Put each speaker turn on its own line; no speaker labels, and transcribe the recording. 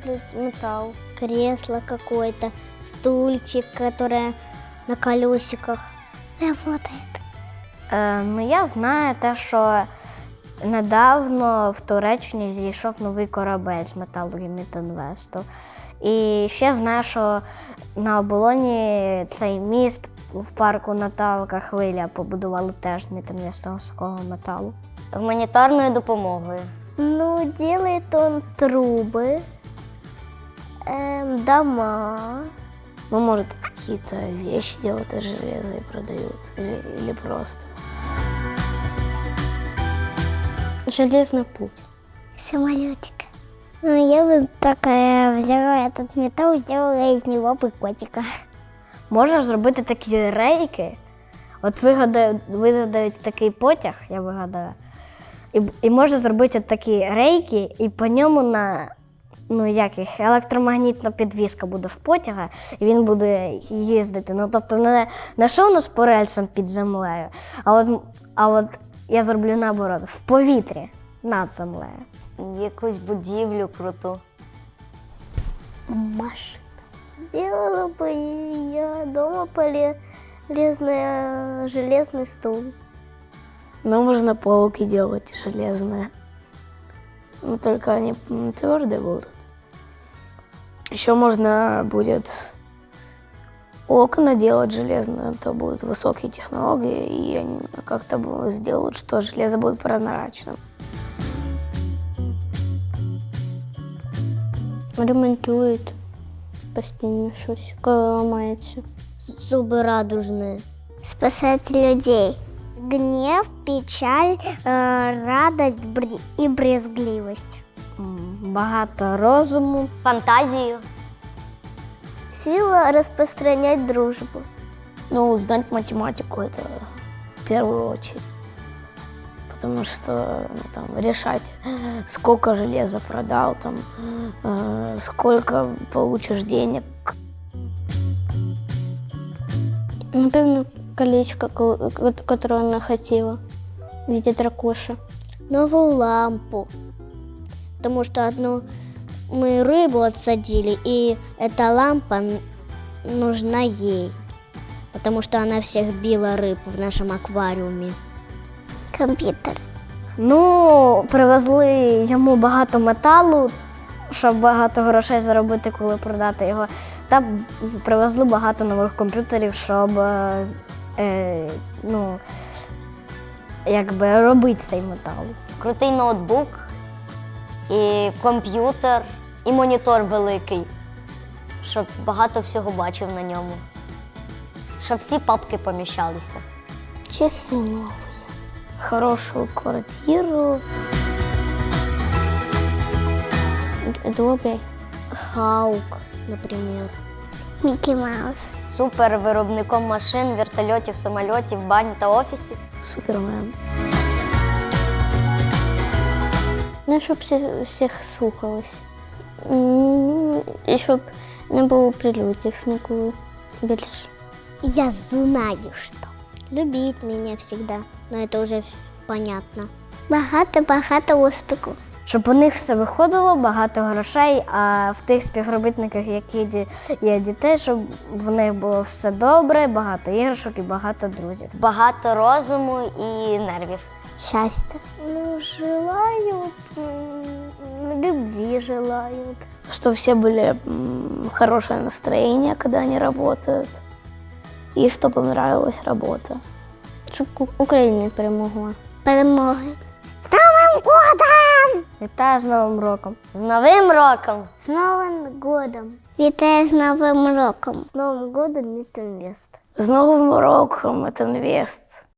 металл. Кресло какое-то, стульчик, которое на колесиках. Работает.
Ну, я знаю те, що недавно в Туреччині зійшов новий корабель з металу Гімітінвесту. І ще знаю, що на оболоні цей міст в парку Наталка Хвиля побудували теж Гімітінвестовського металу. Гуманітарною допомогою.
Ну, делает он трубы, дома.
Ну, может, какие-то вещи делают из железа и продают. Или просто.
Железный путь.
Самолетик. Ну, я бы такая взяла этот металл, сделала из него бы котика.
Можна зробити такі рейки. От вигадають такий потяг, я вигадаю. І можна зробити от такі рейки, і по ньому електромагнітна підвіска буде в потяга, і він буде їздити. Ну, тобто не що у нас по рельсам під землею, а от я зроблю наоборот, в повітрі над землею.
Якусь будівлю круту.
Машина.
Делала бы я дома железный стул.
Ну, можно полки делать железные. Но только они твердые будут. Еще можно будет окна делать железные, то будут высокие технологии, и они как-то сделают, что железо будет прозрачным.
Ремонтують постійно щось, коли ламається.
Зубы радужные. Спасать людей. Гнев, печаль, радость и брезгливость.
Багато розуму.
Фантазию.
Сила розпространять дружбу.
Ну, знать математику это в первую очередь. Потому что там, решать, сколько железа продал, там, сколько получишь денег.
Напевно, колечко, которое она хотела в виде дракоша.
Новую лампу. Потому что одну мы рыбу отсадили, и эта лампа нужна ей. Потому что она всех била рыб в нашем аквариуме. Компьютер.
Ну, привезли йому багато металу, щоб багато грошей заробити, коли продати його. Та привезли багато нових комп'ютерів, щоб робити цей метал.
Крутий ноутбук, і комп'ютер, і монітор великий, щоб багато всього бачив на ньому. Щоб всі папки поміщалися.
Часы новые.
Хорошую квартиру.
Добрый.
Хаук, например. Микки Маус.
Супервиробником машин, вертольотів, самольотів, бань та офісів. Супермен.
Ну, щоб всіх слухалось. І щоб не було прильотів ніколи більше.
Я знаю, что. Любить меня всегда. Но это уже понятно. Багато успіху.
Щоб у них все виходило, багато грошей, а в тих співробітниках, які є дітей, щоб в них було все добре, багато іграшок і багато друзів.
Багато розуму і нервів.
Счастья.
Ну, желают, любви желают.
Чтобы все были хорошее настроение, когда они работают. И чтобы им нравилась работа.
Щоб Україна перемогла.
Перемоги. З Новим годом!
Вітаю з Новим роком!
З Новим роком!
З Новим годом! Вітаю з Новим роком! З Новим годом, Мітінвест!
З Новим роком, Мітінвест!